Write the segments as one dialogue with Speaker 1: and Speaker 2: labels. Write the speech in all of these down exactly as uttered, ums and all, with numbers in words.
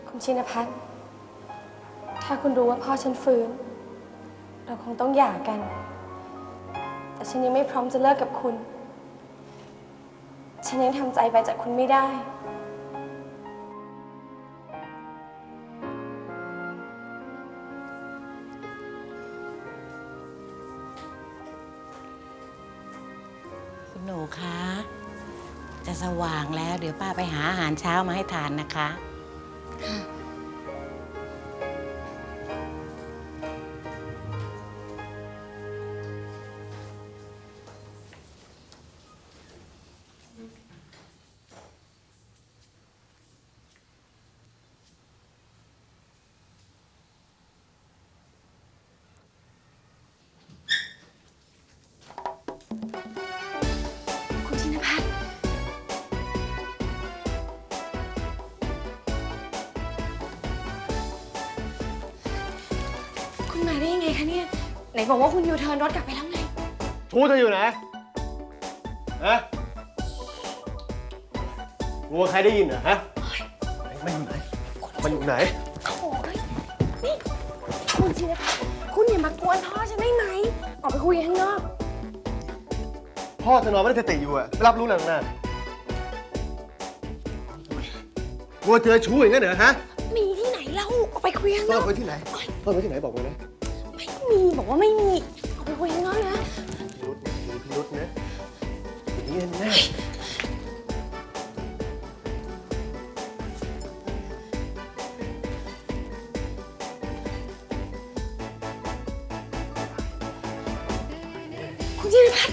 Speaker 1: คุณชินภัทรถ้าคุณรู้ว่าพ่อฉันฟื้นเราคงต้องหย่ากัน แต่ฉันยังไม่พร้อมจะเลิกกับคุณ ฉันยังทำใจไปจากคุณไม่ได้
Speaker 2: คุณหนูคะจะสว่างแล้วเดี๋ยวป้าไปหาอาหารเช้ามาให้ทานนะคะค่ะ
Speaker 1: คุณชินภัทรคุณมาได้ยังไงคะเนี่ยไหนบอกว่าคุณยูเทิร์นรถกลับไปแล้วไง
Speaker 3: ชูเธออยู่ไหนฮะกลัวใครได้ยินเหรอฮะมันอยู่ไหนมันอยู่ไหน
Speaker 1: โอ้ยนี่คุณชินภัทรคุณอย่ามากวนพ่อฉันได้ไหมออกไปคุยกันข้างนอก
Speaker 3: พ่อเธอนอนไม่ได้สติอยู่อะไม่รับรู้อะไรหรอกนะกลัวเธอชู้อย่างนั้นเหรอฮะ
Speaker 1: มีที่ไหนเล่าออกไปคุยข้างนอก
Speaker 3: ซ่อนไว้ที่ไหนซ่อนไว้ที่ไหนบอกมานะ
Speaker 1: ไม่มีบอกว่าไม่มีออกไปคุยข้างนอกนะ
Speaker 3: พิรุษนะพิรุษนะอย่างนี้แน่
Speaker 1: คุณชินภัทร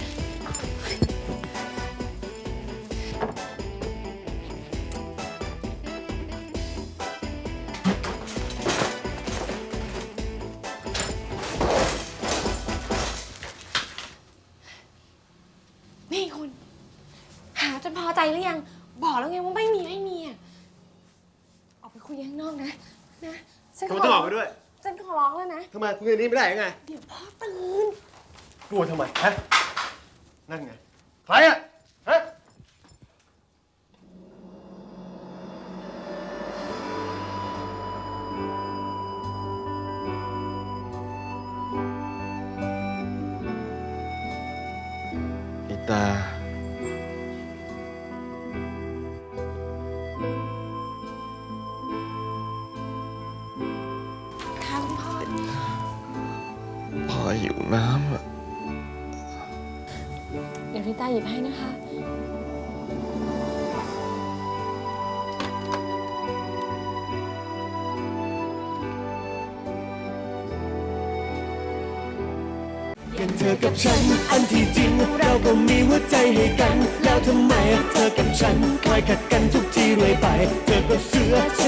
Speaker 1: นี่คุณหาจนพอใจหรือยังบอกแล้วไงว่าไม่มีไม่มีอ่ะออกไปคุยข้างนอกนะนะฉันขอ
Speaker 3: ต้องออกไปด้วย
Speaker 1: ฉันขอร้องแล้วนะ
Speaker 3: ทำไมคุยกันนี้ไม่ได้ยังไง
Speaker 1: เดี๋ยวพ่อตื่น
Speaker 3: กลัวทำไมฮะนั่นไงใครอะฮะอีตา
Speaker 1: ค่ะคุณพ่อ
Speaker 4: พ่อหิวน้ำอ่ะ
Speaker 1: เดี๋ยวริต้าหยิบให้นะคะ
Speaker 5: กันเธอกับฉันอันที่จริงเราก็มีหัวใจให้กันแล้วทำไมเธอกับฉันคอยขัดกันทุกทีเรื่อยไปเธอก็เสือ